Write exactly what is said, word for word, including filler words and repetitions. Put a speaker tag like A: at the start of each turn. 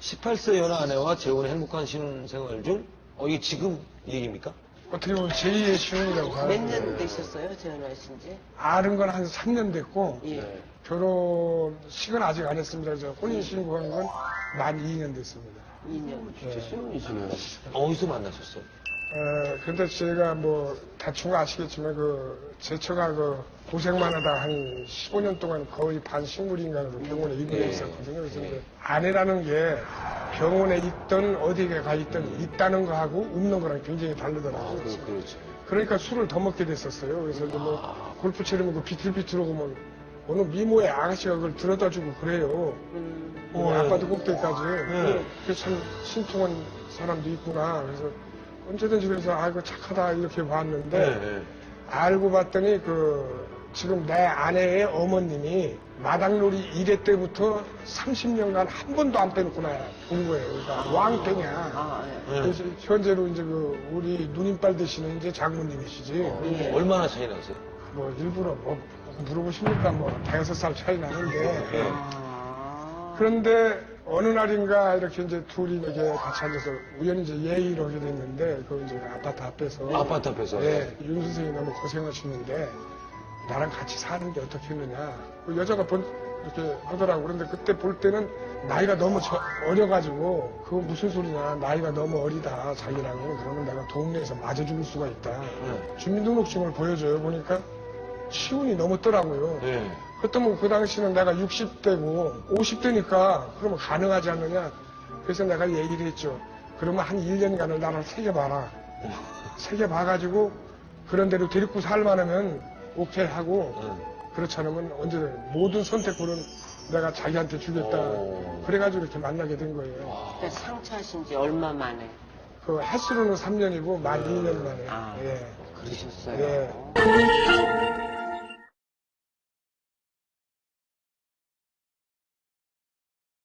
A: 십팔 세 연하 아내와 재혼의 행복한 신혼생활 중, 어, 이게 지금 얘기입니까?
B: 어떻게 보면 제이의 신혼이라고
C: 몇
B: 하는데
C: 년 되셨어요? 재혼하신 지?
B: 아는 건 한 삼 년 됐고
C: 예.
B: 결혼식은 아직 안 했습니다. 저 혼인신고한 건 만 이 년 됐습니다.
C: 이 년.
A: 진짜 신혼이시네요. 어디서 만나셨어요?
B: 어, 근데 제가 뭐 대충 아시겠지만 그 제처가 그 고생만 하다 한 십오 년 동안 거의 반식물인간으로 병원에 입원해 있었거든요. 그래서 이제 아내라는 게 병원에 있던 어디에 가 있던 있다는 거하고 없는 거랑 굉장히 다르더라고요.
A: 그렇죠.
B: 그러니까 술을 더 먹게 됐었어요. 그래서 이제 뭐 골프 치르면 그 비틀비틀하고 뭐 어느 미모의 아가씨가 그걸 들여다 주고 그래요.
C: 음.
B: 뭐
A: 어,
B: 아빠도
A: 네.
B: 꼭대기까지.
A: 네.
B: 그게 참 신통한 사람도 있구나. 그래서 언제든지 그래서 아이고 착하다 이렇게 봤는데
A: 네, 네.
B: 알고 봤더니 그 지금 내 아내의 어머님이 마당놀이 일 회 때부터 삼십 년간 한 번도 안 빼놓고 나온 거예요. 그러니까 왕땡이야.
C: 아, 예.
A: 네.
B: 그래서 현재로 이제 그 우리 누님빨 되시는 이제 장모님이시지.
C: 예.
A: 얼마나 차이 나세요?
B: 뭐 일부러 뭐 물어보십니까? 뭐 대여섯 살 차이 나는데.
A: 네.
C: 아.
B: 그런데 어느 날인가 이렇게 이제 둘이 이렇게 같이 앉아서 우연히 이제 예의를 하게 됐는데 그 이제 아파트 앞에서
A: 아파트 앞에서?
B: 네, 윤 선생이 너무 고생하시는데 나랑 같이 사는 게 어떻게 했느냐. 그 여자가 본 이렇게 하더라고. 그런데 그때 볼 때는 나이가 너무 저- 어려가지고 그거 무슨 소리냐. 나이가 너무 어리다 자기랑은. 그러면 내가 동네에서 맞아 죽을 수가 있다.
A: 네.
B: 주민등록증을 보여줘요. 보니까 시운이 넘었더라고요.
A: 네.
B: 그렇다면 그 당시는 내가 육십 대고 오십 대니까 그러면 가능하지 않느냐. 그래서 내가 얘기를 했죠. 그러면 한 일 년간을 나를 새겨봐라. 새겨봐가지고 그런 대로 데리고 살만하면 오케이 하고
A: 네.
B: 그렇지 않으면 언제 모든 선택권은 내가 자기한테 주겠다.
A: 오.
B: 그래가지고 이렇게 만나게 된 거예요.
C: 그때 상처하신 지 얼마 만에?
B: 그 횟수로는 삼 년이고 만 이 년 만에.
C: 아.
B: 예.
C: 그러셨어요?
B: 예.